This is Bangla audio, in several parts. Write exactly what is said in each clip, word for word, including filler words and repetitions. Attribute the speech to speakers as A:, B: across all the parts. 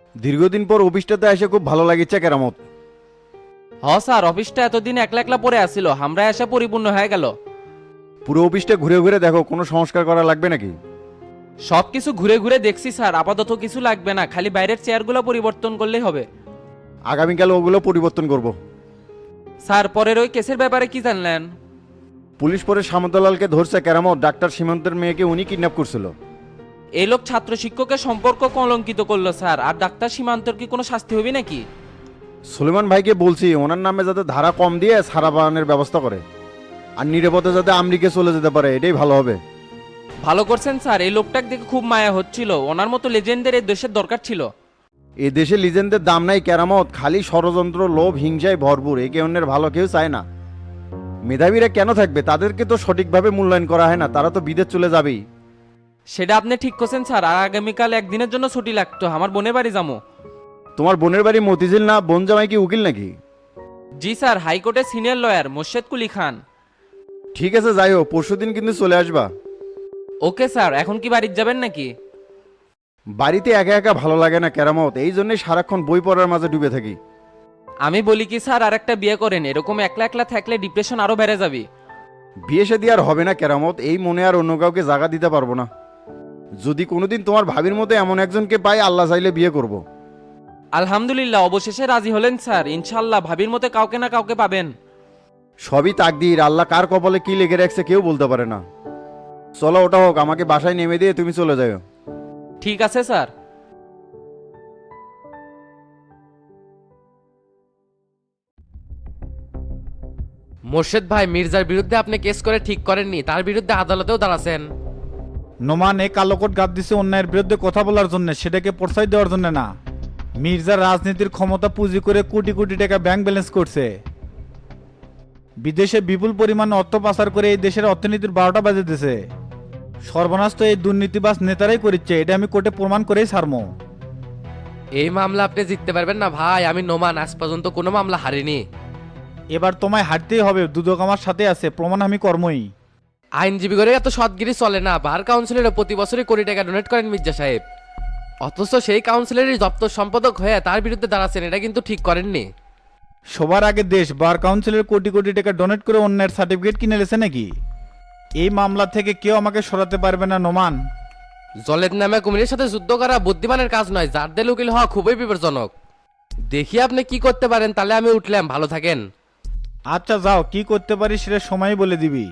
A: দীর্ঘদিন পর অফিসটাতে এসে খুব ভালো লাগিচ্ছে কেরামত।
B: হ স্যার, অফিসটা এতদিন একলা একলা পড়ে আসছিল, আমরা এসে পরিপূর্ণ হয়ে গেল।
A: পুরো অফিসটা ঘুরে ঘুরে দেখো, কোনো সংস্কার করা লাগবে নাকি?
B: সব কিছু ঘুরে ঘুরে দেখছি স্যার, আপাতত কিছু লাগবে না, খালি বাইরের চেয়ারগুলো পরিবর্তন করলেই হবে।
A: আগামীকাল ওগুলো পরিবর্তন করব।
B: স্যার, পরের ওই কেসের ব্যাপারে কি জানলেন?
A: পুলিশ পরে সামন্তলালকে ধরছে কেরামত, ডাক্তার সীমান্তের মেয়েকে উনি কিডন্যাপ করছিল।
B: এই লোক ছাত্র শিক্ষকের সম্পর্ক কলঙ্কিত করলো স্যার, আর ডাক্তার সীমান্তর কি কোনো শাস্তি হবে নাকি?
A: সুলেমান ভাইকে বলছি ওনার নামে যাতে ধারা কম দিয়ে সারা বাগানের ব্যবস্থা করে, আর নিরাপদে যাতে আমেরিকা চলে যেতে পারে, এটাই ভালো হবে।
B: ভালো করছেন স্যার, এই লোকটাকে দেখে খুব মায়া হচ্ছিল, ওনার মতো লেজেন্ডের এই দেশের দরকার ছিল।
A: এ দেশে লিজেন্ডের দাম নাই কেরামত, খালি ষড়যন্ত্র, লোভ, হিংসায় ভরপুর, একে অন্যের ভালো কেউ চায় না। মেধাবীরা কেন থাকবে? তাদেরকে তো সঠিকভাবে মূল্যায়ন করা হয় না, তারা তো বিদেশ চলে যাবেই।
B: সেটা আপনি ঠিক করছেন স্যার, আর আগামীকাল একদিনের জন্য ছুটি লাগতো, আমার বোনের বাড়ি যাবো।
A: তোমার বোনের বাড়ি মতিঝিল না? বোন জামাই কি উকিল নাকি?
B: জি স্যার, হাইকোর্টের সিনিয়র লয়ার মোর্শেদ কুলি খান।
A: ঠিক আছে, যাই হোক, পরশুদিন কিন্তু চলে আসবা।
B: ওকে স্যার, এখন কি বাড়িতে যাবেন নাকি?
A: বাড়িতে একা একা ভালো লাগে না কেরামত, এই জন্যই সারাক্ষণ বই পড়ার মাঝে ডুবে থাকি।
B: আমি বলি কি স্যার, আর একটা বিয়ে করেন, এরকম একলা একলা থাকলে ডিপ্রেশন আরো বেড়ে যাবে।
A: বিয়ে শাদী আর হবে না কেরামত, এই মনে আর অন্য কাউকে জায়গা দিতে পারবো না। যদি কোনোদিন তোমার ভাবির মতো এমন একজনকে পাই, আল্লাহ চাইলে বিয়ে করব।
B: আলহামদুলিল্লাহ, অবশেষে রাজি হলেন স্যার, ইনশাল্লাহ ভাবির মতো কাউকে না কাউকে পাবেন।
A: সবই তাকদীর, আল্লাহ কার কপালে কি লেগে রাখছে কেউ বলতে পারে না। চলো, ওটা হোক, আমাকে বাসায় নেমে দিয়ে তুমি চলে যাও।
B: ঠিক আছে স্যার।
C: মোর্শেদ ভাই, মির্জার বিরুদ্ধে আপনি কেস করে ঠিক করেননি, তার বিরুদ্ধে আদালতেও দাঁড়াছেন।
D: নোমান এই কালোকট গাদ দিছে অন্যায়ের বিরুদ্ধে কথা বলার জন্য, সেটাকে প্রশ্রয় দেওয়ার জন্য না। মির্জা রাজনীতির ক্ষমতা পুঁজি করে কোটি কোটি টাকা ব্যাংক ব্যালেন্স করছে, বিদেশে বিপুল পরিমাণে অর্থ পাচার করে এই দেশের অর্থনীতির বারোটা বাজে দিছে। সর্বনাশ তো এই দুর্নীতিবাজ নেতারাই করিচ্ছে, এটা আমি কোর্টে প্রমাণ করেই ছাড়মো।
C: এই মামলা আপনি জিততে পারবেন না ভাই, আমি নোমান আজ পর্যন্ত কোনো মামলা হারিনি।
D: এবার তোমায় হারতেই হবে, দুদক আমার সাথে আছে, প্রমাণ আমি কর্মই।
C: আইনজীবী করে এত সৎগিরি চলে না, বার কাউন্সিলরে প্রতি বছরই কোটি টাকা ডোনেট করেন মির্জা সাহেব, অথচ সেই কাউন্সিলরই দপ্তর সম্পাদক হয়ে তার বিরুদ্ধে দাঁড়াচ্ছেন, এটা কিন্তু ঠিক করেননি।
D: সবার আগে দেশ বার কাউন্সিলের কোটি কোটি টাকা ডোনেট করে অন্যের সার্টিফিকেট কিনে লেছে নাকি? এই মামলা থেকে কেউ আমাকে সরাতে পারবে না নোমান।
C: জলের নামে কুমিরের সাথে যুদ্ধ করা বুদ্ধিমানের কাজ নয়, যার দেল উকিল হওয়া খুবই বিপজ্জনক। দেখি আপনি কি করতে পারেন, তাহলে আমি উঠলাম, ভালো থাকেন।
D: আচ্ছা যাও, কি করতে পারি সেটা সময় বলে দিবি।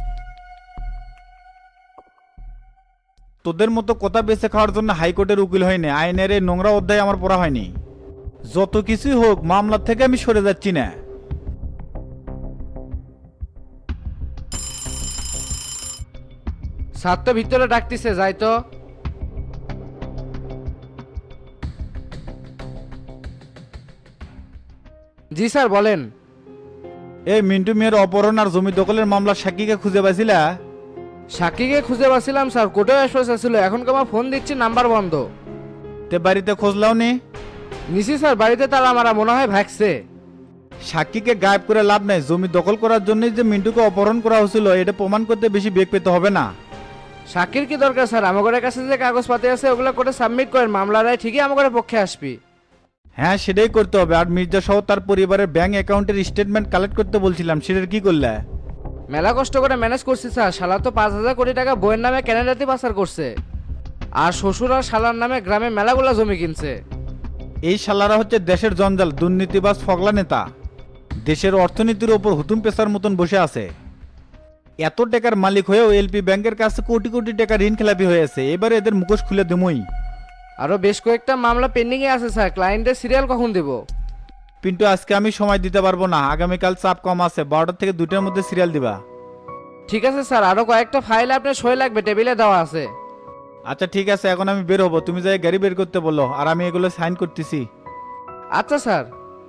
D: তোদের মতো কথা বেঁচে খাওয়ার জন্য হাইকোর্টের উকিল হয়নি, আইনের এই নোংরা অধ্যায় আমার পড়া হয়নি। যত কিছুই হোক, মামলা থেকে আমি সরে যাচ্ছি না।
E: সাতটা ভিতরে ডাকতেছে, যাই তো। জি স্যার, বলেন।
D: এই মিন্টু মেয়ের অপহরণ আর জমি দখলের মামলার সাক্ষীকে খুঁজে পাইছিলা?
E: সাক্ষীকে খুঁজে পাচ্ছিলাম স্যার, কোর্টে এসে ছিল, এখন আমার ফোন দিচ্ছি, নাম্বার বন্ধ।
D: তে বাড়িতে খোঁজলাও নি?
E: নিশি স্যার, বাড়িতে তারা মারা মনে হয় ভাগছে।
D: সাক্ষীকে গায়েব করে লাভ নাই, জমি দখল করার জন্যই যে মিন্টুকে অপহরণ করা হয়েছিল এটা প্রমাণ করতে বেশি বেগ পেতে হবে না।
E: সাক্ষীর কি দরকার স্যার, আমাদের কাছে যে কাগজপাতি আছে ওগুলো কোর্টে সাবমিট করেন, মামলা রায় ঠিকই আমাদের পক্ষে আসবি।
D: হ্যাঁ, সেটাই করতে হবে। আর মির্জা সহ তার পরিবারের ব্যাংক অ্যাকাউন্টের স্টেটমেন্ট কালেক্ট করতে বলছিলাম, সেটার কি করলে?
E: মেলা কষ্ট করে ম্যানেজ করছি স্যার, শালা তো পাঁচ হাজার কোটি টাকা বইয়ের নামে ক্যানাডাতে পাচার করছে, আর শ্বশুর আর শালার নামে গ্রামে মেলাগুলা জমি কিনছে।
D: এই শালারা হচ্ছে দেশের জঞ্জাল, দুর্নীতিবাজ, ফগলা নেতা, দেশের অর্থনীতির ওপর হুতুম পেশার মতন বসে আছে। এত টাকার মালিক হয়েও এলপি ব্যাংকের কাছে কোটি কোটি টাকা ঋণ খেলাপি হয়েছে, এবারে এদের মুখোশ খুলে দেবই।
E: আরো বেশ কয়েকটা মামলা পেন্ডিং এ আছে স্যার, ক্লায়েন্টের সিরিয়াল কখন দেব?
D: কিন্তু আজকে আমি সময় দিতে পারবো না, আগামীকাল চাপ কম আছে, বারোটা থেকে দুটার মধ্যে সিরিয়াল দিবা।
E: ঠিক আছে স্যার, আরো কয়েকটা ফাইল আপনার সই লাগবে, টেবিলে দেওয়া আছে।
D: আচ্ছা ঠিক আছে, এখন আমি বের হবো, তুমি যাই গাড়ি বের করতে বলো, আর আমি এগুলো সাইন করতেছি।
E: আচ্ছা স্যার।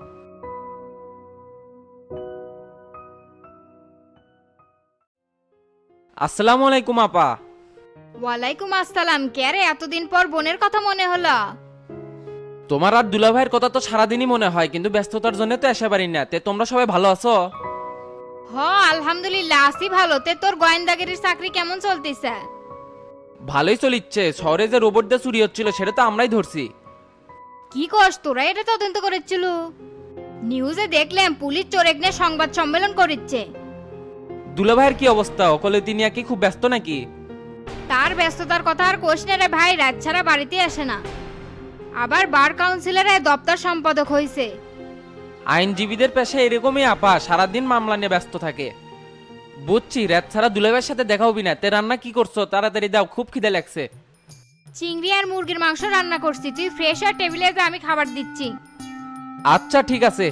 B: আসসালামু আলাইকুম আপা।
F: ওয়ালাইকুম আসসালাম। কে রে, এতদিন পর বোনের কথা মনে হলো?
B: তোমার আর দুলাভাইয়ের কথা তো সারাদিনই মনে হয়, কিন্তু ব্যস্ততার জন্য তো এসে পারি না। তে তোমরা সবাই ভালো আছো?
F: হ, আলহামদুলিল্লাহ আছি ভালো। তে তোর গোয়েন্দাগিরির চাকরি কেমন চলতেছে?
B: ভালোই চলিচ্ছে। শহরে যে রোবট দিয়ে চুরি হচ্ছিল সেটা তো আমরাই ধরছি।
F: কি কস তোরা এটা তদন্ত করেছিল? নিউজে দেখলাম পুলিশ চোরেক নিয়ে সংবাদ সম্মেলন করেছে।
B: দুলাভাইয়ের কি অবস্থা? অকলে তিনি কি খুব ব্যস্ত নাকি?
F: তার ব্যস্ততার কথা আর কোষ না রে ভাই, রাত ছাড়া বাড়িতে আসে না। আবার বার কাউন্সিলরে দপ্তর সম্পাদক হয়েছে।
B: আইনজীবীদের পেশা এরকমই আপা, সারাদিন মামলা নিয়ে ব্যস্ত থাকে। বুঝছি, রাত ছাড়া দুলাভাইয়ের সাথে দেখা হবি না। তে রান্না কি করছো? তাড়াতাড়ি দাও, খুব খিদে লাগছে।
F: চিংড়ি আর মুরগির মাংস রান্না করছি, তুই ফ্রেশ আর টেবিলে যা, আমি খাবার দিচ্ছি।
B: আচ্ছা ঠিক আছে।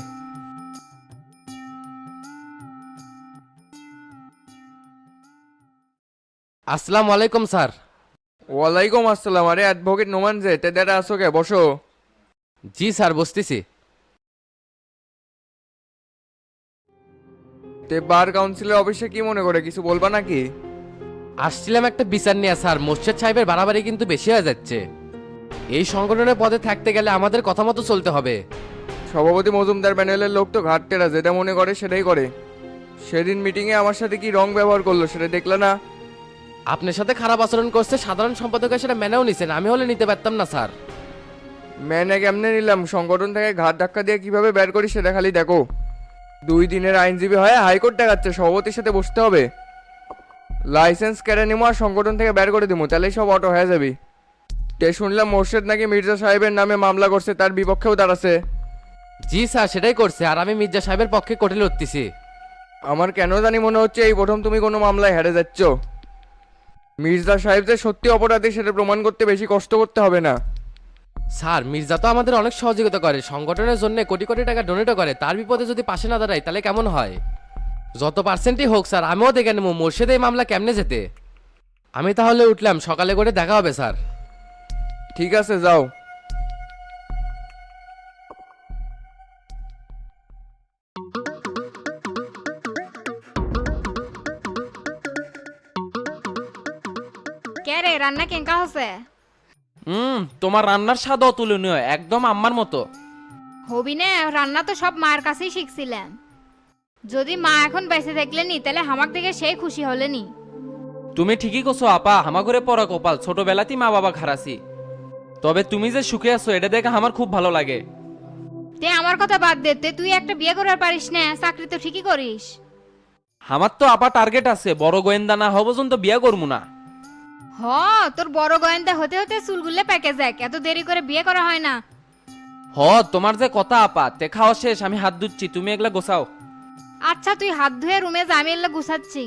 C: আসসালামু আলাইকুম স্যার।
G: ওয়ালাইকুম আসসালাম। আরে অ্যাডভোকেট নোমান যে তেদারা আসো কে, বসো।
C: জি স্যার, বসতেছি।
G: তে বার কাউন্সিলের অফিসে কি মনে করে, কিছু বলবা নাকি?
C: আসছিলাম একটা বিচার নিয়ে স্যার, মোর্শেদ সাহেবের বাড়াবাড়ি কিন্তু বেশি হয়ে যাচ্ছে। এই সংগঠনের পদে থাকতে গেলে আমাদের কথা মতো চলতে হবে।
G: সভাপতি মজুমদার প্যানেলের লোক তো ঘাট টেরা, যেটা মনে করে সেটাই করে। সেদিন মিটিংয়ে আমার সাথে কি রং ব্যবহার করলো সেটা দেখলে না?
C: আপনার সাথে খারাপ আচরণ করছে, সাধারণ সম্পাদকের সেটা মেনেও নিছেন, আমি হলে নিতে পারতাম না স্যার।
G: ম্যানে কেমনে নিলাম, সংগঠন থেকে ঘাট ধাক্কা দিয়ে কিভাবে বের করি সেটা খালি দেখো। দুই দিনের আইনজীবী হয়ে হাইকোর্ট দেখাচ্ছে, সভাপতির সাথে বসতে হবে। লাইসেন্স কেড়ে নিবো আর সংগঠন থেকে বের করে দিবো, তাহলেই সব অটো হয়ে যাবি। তে শুনলাম মোর্শেদ নাকি মির্জা সাহেবের নামে মামলা করছে, তার বিপক্ষেও দাঁড়াচ্ছে।
C: জি স্যার, সেটাই করছে, আর আমি মির্জা সাহেবের পক্ষে কোর্টে লড়তেছি।
G: আমার কেন জানি মনে হচ্ছে এই প্রথম তুমি কোনো মামলায় হেরে যাচ্ছ। মির্জা সাহেব যে সত্যি অপরাধী সেটা প্রমাণ করতে বেশি কষ্ট করতে হবে না।
C: স্যার, মির্জা তো আমাদের অনেক সহযোগিতা করে, সংগঠনের জন্য কোটি কোটি টাকা ডোনেটও করে, তার বিপদে যদি পাশে না দাঁড়াই তাহলে কেমন হয়? যত পার্সেন্টই হোক স্যার, আমিও দেখে নেবো মোর্শেদ এই মামলা কেমনে যেতে। আমি তাহলে উঠলাম, সকালে করে দেখা হবে স্যার।
G: ঠিক আছে, যাও।
F: কে রে, রান্না কেঙ্কা হচ্ছে?
B: হুম, তোমার রান্নার স্বাদ অতুলনীয়, একদম আম্মার মতো।
F: হবি না, রান্না তো সব মায়ের কাছেই শিখছিলাম। যদি মা এখন বেঁচে থাকলে নি তাহলে হামাক দেখে সেই খুশি হলে নি।
B: তুমি ঠিকই করছো আপা, হামা করে পড়া কপাল, ছোটবেলাতেই মা বাবা খারাসি। তবে তুমি যে সুখে আছো এটা দেখে আমার খুব ভালো লাগে।
F: তে আমার কথা বাদ দে, তে তুই একটা বিয়ে করার পারিস না, চাকরি তো ঠিকই করিস।
B: আমার তো আপা টার্গেট আছে, বড় গোয়েন্দা না হওয়া পর্যন্ত বিয়ে করবো না।
F: হ, তোর বড় গোয়েন্দা হতে হতে চুলগুলো পেকে যাক, এত দেরি করে বিয়ে করা হয় না।
B: হ, তোমার যে কথা আপা, তে খাওয়া শেষ, আমি হাত ধুচ্ছি, তুমি এগুলা গোছাও।
F: আচ্ছা তুই হাত ধুয়ে রুমে যা, আমি এগুলো গুছাচ্ছি।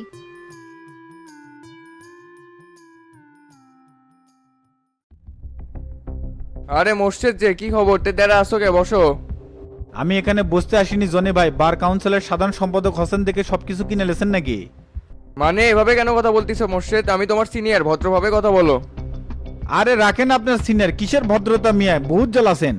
G: আরে মোর্শেদ যে, কি খবর? তেদারা আসো কে, বসো।
D: আমি এখানে বসতে আসিনি জনি ভাই, বার কাউন্সিলের সাধারণ সম্পাদক হোসেন থেকে সবকিছু কিনে লেছেন নাকি?
G: মানে এভাবে কেন কথা বলতিছো মোর্শেদ? আমি তোমার সিনিয়র, ভদ্রভাবে কথা বলো।
D: আরে রাখেন আপনার সিনিয়র, কিসের ভদ্রতা মিয়া, বহুত জল আছেন।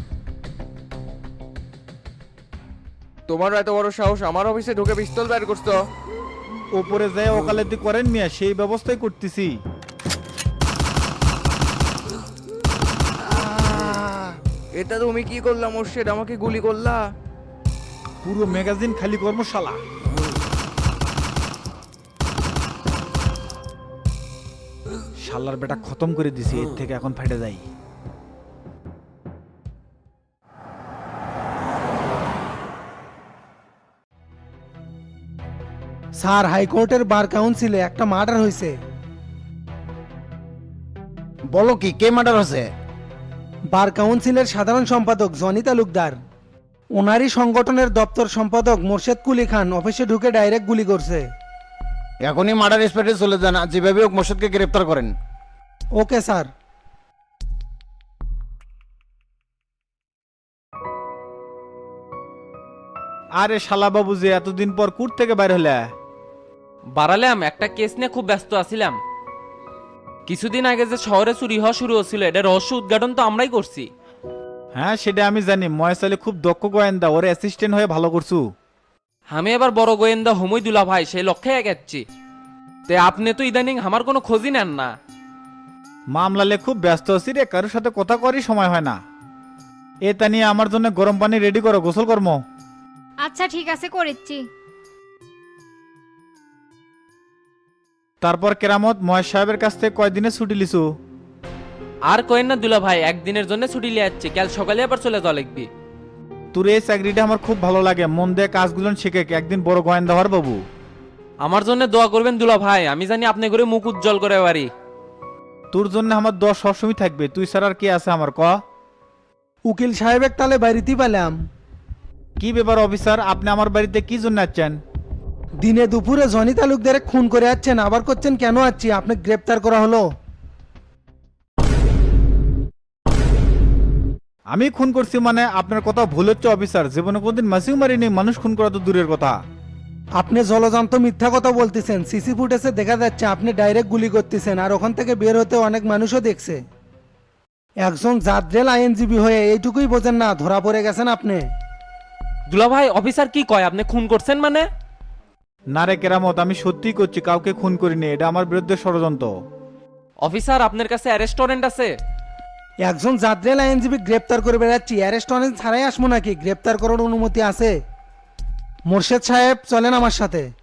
G: তোমারও এত বড় সাহস, আমার অফিসে ঢুকে পিস্তল বের করছো?
D: ওপরে যায় ওকালতি করেন মিয়া, সেই ব্যবস্থাই করতেছি।
G: এটা তুমি কি করলা মোর্শেদ? আমাকে গুলি করলা?
D: পুরো ম্যাগাজিন খালি কর্মশালা। শালার বেটা খতম করে দিছি, এর থেকে এখন ফেটে যাই।
H: স্যার, হাইকোর্টের বার কাউন্সিলে একটা মার্ডার হয়েছে।
A: বলো কি, কে মার্ডার হচ্ছে?
H: বার কাউন্সিলের সাধারণ সম্পাদক জনি তালুকদার, ওনারই সংগঠনের দপ্তর সম্পাদক মোর্শেদ কুলি খান অফিসে ঢুকে ডাইরেক্ট গুলি করছে।
A: এখনই মার্ডার স্পটে চলে যান, আর যেভাবে হোক মোর্শেদকে গ্রেপ্তার করেন।
H: Okay sir.
D: আরে শালা বাবু যে এতদিন পর কুট থেকে বাইর হলে?
B: বাড়ালাম, একটা কেস নিয়ে খুব ব্যস্ত আছিলাম। কিছুদিন আগে যে শহরে চুরি হওয়া শুরু হচ্ছিল, এটা রহস্য উদ্ঘাটন তো আমরাই করছি।
D: হ্যাঁ সেটা আমি জানি, ময়সালে খুব দক্ষ গোয়েন্দা, ওর অ্যাসিস্ট্যান্ট হয়ে ভালো করছু।
B: আমি এবার বড় গোয়েন্দা হুমইদুল্লাহ ভাই, সেই লক্ষ্যে এগাচ্ছি। তে আপনি তো ইদানিং আমার কোনো খোঁজই নেন না।
D: মামলালে খুব ব্যস্ত আছি রে, কারোর সাথে কথা করারই সময় হয় না। এ তা নিয়ে আমার জন্য গরম পানি রেডি করো, গোসল কর্ম।
F: আচ্ছা ঠিক আছে, করেছি।
D: তারপর কেরামত মহেশ সাহেবের কাছ থেকে কয়দিনে ছুটি লিছু?
B: আর কোয়েন না দুলা ভাই, একদিনের জন্য ছুটি লিয়ে যাচ্ছি, কাল সকালে আবার চলে যাওয়া লিখবি।
D: তোর এই চাকরিটা আমার খুব ভালো লাগে, মন দিয়ে কাজগুলো শিখে একদিন বড় গোয়েন্দা হওয়ার বাবু।
B: আমার জন্য দোয়া করবেন দুলা ভাই, আমি জানি আপনি করে মুখ উজ্জ্বল করে পারি।
D: তোর জন্য আমার দশ সবসময় থাকবে, তুই ছাড়া আর কি আছে আমার ক।
H: উকিল সাহেবের তালে বাড়িতেই পেলাম।
D: কি ব্যাপার অফিসার, আপনি আমার বাড়িতে কি জন্য আসছেন?
H: দিনে দুপুরে জনি তালুকদারে খুন করে যাচ্ছেন, আবার করছেন কেন আছি? আপনি গ্রেপ্তার করা হলো।
D: আমি খুন করছি মানে? আপনার কথা ভুল হচ্ছে অফিসার, জীবনে কোনদিন মাসিও মারিনি, মানুষ খুন করা তো দূরের কথা।
H: আপনি জলজান্ত মিথ্যা কথা বলতেছেন। সিসি ফুটেজে দেখা যাচ্ছে আপনি ডাইরেক্ট গুলি করতেছেন, আর ওখান থেকে বের হতে অনেক মানুষও দেখছে। একজন জাদ্রেল আইনজীবী হয়ে এইটুকুই বোঝেন না, ধরা পড়ে গেছেন আপনি।
B: দুলা ভাই অফিসার কি কয়, আপনি খুন করছেন মানে?
D: না রে কেরামত, আমি সত্যিই করছি, কাউকে খুন করিনি, এটা আমার বিরুদ্ধে ষড়যন্ত্র।
B: অফিসার আপনার কাছে অ্যারেস্ট ওয়ারেন্ট আছে?
H: একজন জাদ্রেল আইনজীবী গ্রেপ্তার করে বেড়াচ্ছি, অ্যারেস্ট ওয়ারেন্ট ছাড়াই আসবো নাকি? গ্রেপ্তার করার অনুমতি আছে। মোর্শেদ সাহেব চলেন আমার সাথে।